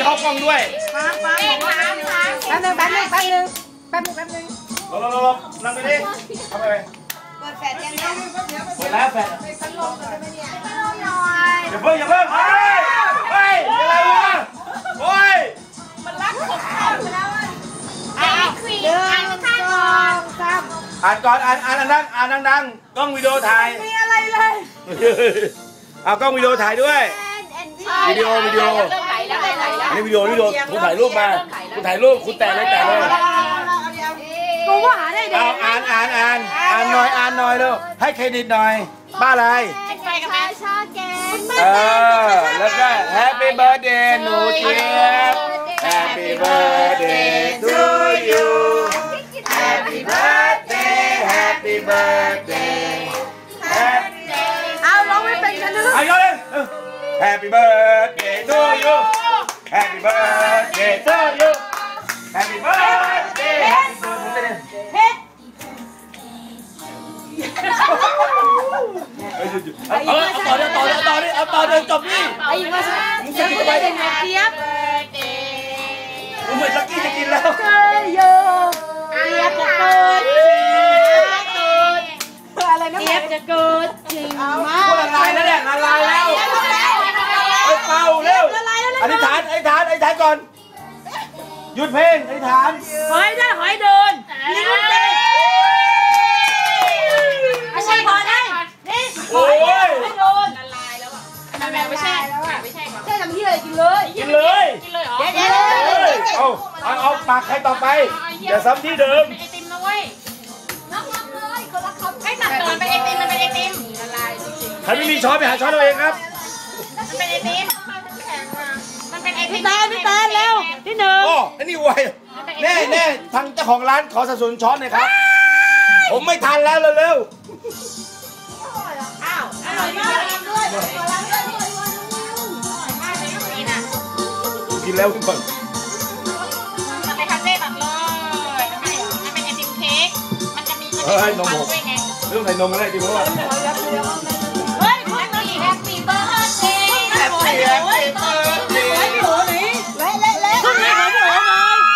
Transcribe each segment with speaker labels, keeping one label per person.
Speaker 1: เข้ากล้องด้วย
Speaker 2: แป๊บนึงลบนั่งไปดิเข้าไป
Speaker 3: เปิดแฟลชยังเนี่ย
Speaker 2: เปิดแล้วแฟลช
Speaker 3: พัดลมเลยไหมเนี่ยพัดลมหน่อย
Speaker 2: อย่าเพิ่งเฮ้ยอะไรวะโอ้ย
Speaker 3: มันรักของเขาแล้วอ่ะคุยอ่านข้างก่อน
Speaker 2: อ่านก่อนอ่านดังกล้องวิดีโอถ่าย
Speaker 3: มีอะไรเลย
Speaker 2: เอากล้องวิดีโอถ่ายด้วยวิดีโอนี่วิดีโอคุณถ่ายรูปมาคุณถ่ายรูปคุณแต่เลย
Speaker 3: กูว่าหาได้เด็ก
Speaker 2: อ่านหน่อยเร็วให้เครดิตหน่อยบ้าอะไร
Speaker 3: ไปกับแม่ชอบแก
Speaker 2: แล้วก็ Happy Birthday หนูเจี๊ยบ Happy Birthday to you Happy Birthday
Speaker 3: เอาร้องไม่เป็นกันเลย
Speaker 2: เอาเลย Happy Birthday to you Happy Birthday to you Happy Birthday ต่อเดินจบนี่
Speaker 3: ไอ้มามึงจะกินอะไรเนี่ยเจี๊ยบ
Speaker 2: มึงเหมือนลักกี้จะกินแล้ว
Speaker 3: เจี๊ยบจะเกิดอะไรนะเจี๊ยบจะเกิดจริงมาก
Speaker 2: ละลายแล้วเนี่ยละลายแล้วเป่าเร็วอธิษฐานก่อนหยุดเพลงอธิษฐาน
Speaker 3: หอยเดินลิ้นเต้ไม่ใช่พอได้นี่
Speaker 2: โอ้ย
Speaker 3: ไม่โดนละลายแล้วอ่ะแม่ไม่ใช่ก่อนใช่ทำที่อะไรกินเลย
Speaker 2: เหรอเอาปากใครต่อไปอย่าซ้ำที่เดิม
Speaker 3: ไอติมนะเว้ยน้องเลยคนละคำให้ตัดก่อนเป็นไอติมมันเป็นไอติมละลาย
Speaker 2: ใครไม่มีช้อนไปหาช้อนเอาเองครับ
Speaker 3: มันเป็นไอติมมันเป็นไอติมพี่ตาแล้วที่หนึ่ง
Speaker 2: โอ้อันนี้ไวแน่ทางเจ้าของร้านขอสนับสนุนช้อนหน่อยครับผมไม่ทันแล้วเร็ว
Speaker 3: อ้าวอร่อยมากด้วย
Speaker 2: กินแล้วทุกคน
Speaker 3: มันเป็นคาเฟ่แบบเลยมันเป็นไอติมเค้กมันจะมี
Speaker 2: นมด้วยไงเรื่องใส่นมอะไรดีเพราะว่า
Speaker 3: เฮ้ยมันมีแฮปปี้เบิร์ดเดย์
Speaker 2: แฮปปี้เบิร์ดเดย์
Speaker 3: พี่โอ๋หนีเละครึ่งนี้ขอพี่โอ๋หน่อย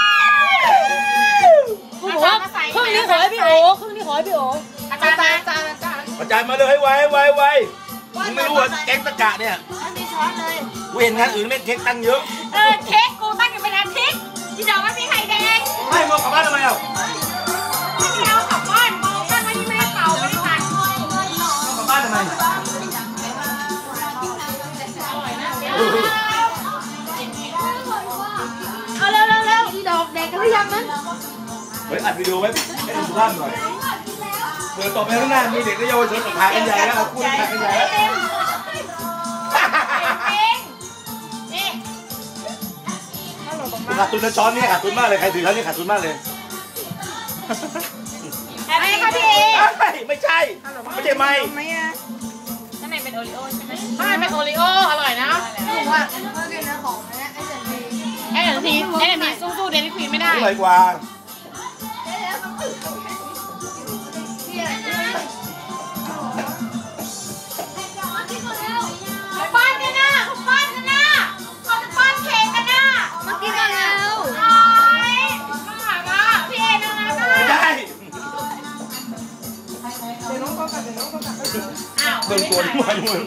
Speaker 3: คุณบอกว่าครึ่งนี้ขอให้พี่โอ๋อาจ
Speaker 2: ารย์มาเลยให้ไวมึงไม่รู้ว่าเค้กตะกะเนี่ย
Speaker 3: มีช้อนเลย
Speaker 2: กูเห็นงานอื่นเล่นเค้กตั้งเยอะ
Speaker 3: เค้กกูตั้งอยู่เป็นอาทิตย์ที่ดอกไม่มีไข่แดง
Speaker 2: ไม่มากลับบ้านทำไมอ่ะ
Speaker 3: ไม่เอากลับบ้านมองตั้งไว้ที่ไม่ได้เป่าไม่ได้ตัด
Speaker 2: กลับบ้านทำไม
Speaker 3: เอาเร็วอีดอกแดกกันหรือยังนั้น
Speaker 2: เฮ้ยอัดวิดีโอไว้ให้ดูสุภาพหน่อยเปิดต่อไปข้างหน้ามีเด็กและเยาวชนถ่ายกันใหญ่แล้วเอาคู่ถ่ายกันใหญ่แล้วขาดทุนนะช้อนนี่ขาดทุนมากเลยใครถือเขานี่ขาดทุนมากเลย
Speaker 3: อะไรคะพี่
Speaker 2: ไม่ใช่ไหม
Speaker 3: ข้างในเป็นโอริโอใช่ไหมข้างในเป็นโอริโออร่อยนะผมว่าเมื่อกี้นะของไอ้เดี๋ยวทีสู้เดลิควีนไม่ได้
Speaker 2: อร่อยกว่า
Speaker 3: ป้อนกันนะเขาจะป้อนเค้กกันนะมากินกันแล้วมาหาว่าพี่เอ็นนะ
Speaker 2: ไม่ได้
Speaker 3: อ้าว
Speaker 2: เติมตัวนี่มาอยู่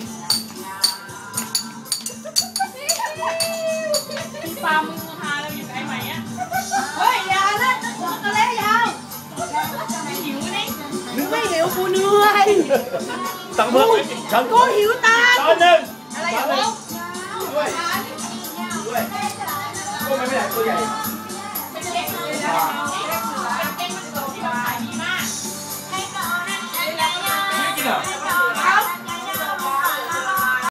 Speaker 3: พี่ปามึงหาเราอยู่ไกลไหมอ่ะเฮ้ยยาวเลยบอกกันแล้วยาวหิวนี่ไม่หิวกูเหนื่อย
Speaker 2: ตังเมื่อฉัน
Speaker 3: กูหิวตา
Speaker 2: ช้อนหนึ่ง
Speaker 3: อะไรอย่าง
Speaker 2: ด้วยก็ไม่ได้ตัวใหญ่
Speaker 3: เป็นเล็กเลยนะเป็นมันโตที่เราขายดีมากให้ก่อนนะ
Speaker 2: ไม่กินเหรอ